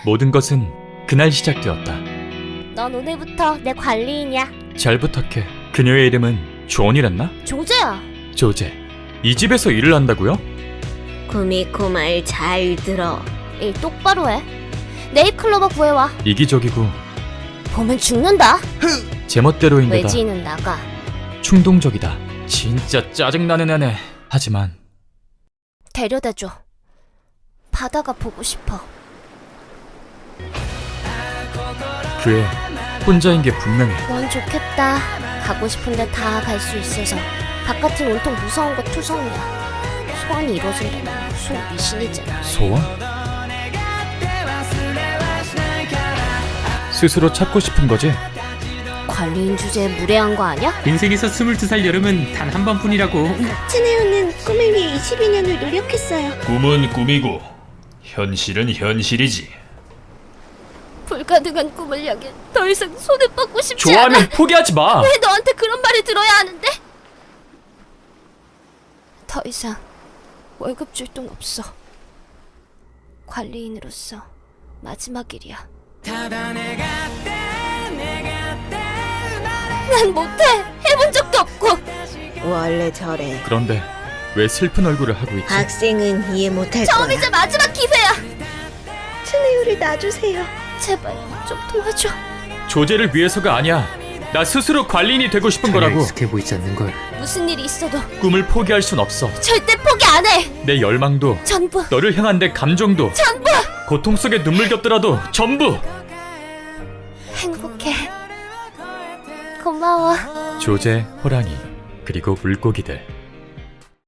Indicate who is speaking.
Speaker 1: 모든 것은 그날 시작되었다.
Speaker 2: 넌 오늘부터 내 관리인이야.
Speaker 1: 잘 부탁해. 그녀의 이름은 존이랬나?
Speaker 2: 조제야.
Speaker 1: 조제. 이 집에서 일을 한다고요?
Speaker 2: 구미코 말 잘 들어. 일 똑바로 해. 네잎클로버 구해와.
Speaker 1: 이기적이고
Speaker 2: 보면 죽는다.
Speaker 1: 제멋대로인데다
Speaker 2: 외지인은 나가.
Speaker 1: 충동적이다. 진짜 짜증나는 애네. 하지만
Speaker 2: 데려다줘. 바다가 보고 싶어.
Speaker 1: 그애 혼자인 게 분명해.
Speaker 2: 넌 좋겠다. 가고 싶은데 다 갈 수 있어서. 바깥은 온통 무서운 거 투성이야. 소원이 이루어진다면 무슨 미신이잖아.
Speaker 1: 소원? 스스로 찾고 싶은 거지?
Speaker 2: 관리인 주제에 무례한 거 아니야?
Speaker 3: 인생에서 22살 여름은 단 한 번뿐이라고.
Speaker 2: 츠네오는 꿈을 위해 22년을 노력했어요.
Speaker 4: 꿈은 꿈이고 현실은 현실이지.
Speaker 2: 불가능한 꿈을 향해 더 이상 손을 뻗고 싶지 않아.
Speaker 1: 좋아하면 포기하지 마.
Speaker 2: 왜 너한테 그런 말을 들어야 하는데? 더 이상 월급 줄 돈 없어. 관리인으로서 마지막 일이야. 난 못해. 해본 적도 없고.
Speaker 5: 원래 저래.
Speaker 1: 그런데 왜 슬픈 얼굴을 하고 있지?
Speaker 5: 학생은 이해 못할 거야.
Speaker 2: 처음이자 마지막 기회야.
Speaker 5: 츠네요를 놔주세요.
Speaker 2: 제발 좀 도와줘.
Speaker 1: 조제를 위해서가 아니야. 나 스스로 관리인이 되고 싶은 거라고.
Speaker 3: 익숙해 보이지 않는 걸.
Speaker 2: 무슨 일이 있어도
Speaker 1: 꿈을 포기할 순 없어.
Speaker 2: 절대 포기 안 해.
Speaker 1: 내 열망도
Speaker 2: 전부
Speaker 1: 너를 향한 내 감정도
Speaker 2: 전부
Speaker 1: 고통 속에 눈물 겹더라도 전부.
Speaker 2: 행복해. 고마워.
Speaker 1: 조제, 호랑이, 그리고 물고기들.